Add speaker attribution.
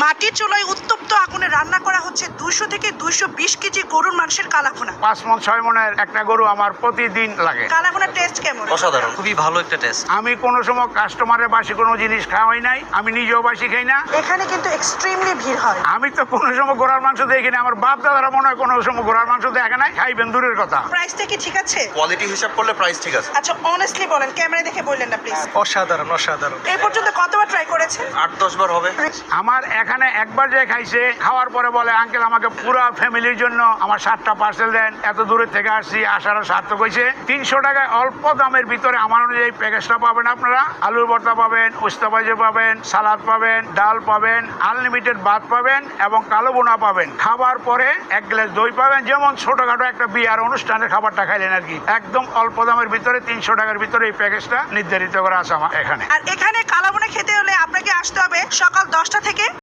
Speaker 1: মাটির চুলায় উত্তপ্ত আগুনে রান্না করা হচ্ছে 200 থেকে 220 কেজি গরুর মাংসের কালাভুনা।
Speaker 2: 5 মণ 6 মণের একটা গরু আমার প্রতিদিন লাগে।
Speaker 1: কালাভুনার টেস্ট কেমন?
Speaker 3: অসাধারণ, খুবই ভালো একটা টেস্ট।
Speaker 2: আমি কোনো সময় কাস্টমারের বাসি কোনো জিনিস খাওয়াই নাই, আমি নিজেও বাসি খাই না।
Speaker 1: এখানে কিন্তু এক্সট্রিমলি ভিড় হয়।
Speaker 2: আমি তো কোনো সময় ঘোড়ার মাংস দেখি না, আমার বাপ দাদারা মনে হয় কোনো সময় ঘোড়ার মাংস দেখে নাই, খাইবেন দূরের কথা।
Speaker 1: প্রাইসটা কি ঠিক আছে?
Speaker 3: কোয়ালিটি হিসাব করলে প্রাইস ঠিক আছে।
Speaker 1: আচ্ছা অনেস্টলি বলেন, ক্যামেরা দেখে বললেন না প্লিজ।
Speaker 3: অসাধারণ অসাধারণ।
Speaker 1: এই পর্যন্ত কতবার ট্রাই করেছেন?
Speaker 3: 8-10 বার হবে।
Speaker 2: আমার এখানে একবার যে খাইছে, খাওয়ার পরে বলে আঙ্কেল আমাকে পুরো ফ্যামিলির জন্য আমার 7টা পার্সেল দেন, এত দূরের থেকে আসছি, আসার সার্থক হয়েছে। 300 টাকায় অল্প দামের ভিতরে আমার অনুযায়ী প্যাকেজটা পাবেন আপনারা। আলুর ভর্তা পাবেন, উস্তা ভাজি পাবেন, সালাদ পাবেন, ডাল পাবেন, আনলিমিটেড ভাত পাবেন এবং কালো বোনা পাবেন। খাবার পরে 1 গ্লাস দই পাবেন, যেমন ছোটখাটো একটা বিয়ার অনুষ্ঠানের খাবারটা খাইলেন আর কি। একদম অল্প দামের ভিতরে 300 টাকার ভিতরে এই প্যাকেজটা নির্ধারিত করা আছে আমার এখানে।
Speaker 1: আর এখানে কালাভুনা খেতে হলে আপনাকে আসতে হবে সকাল 10টা থেকে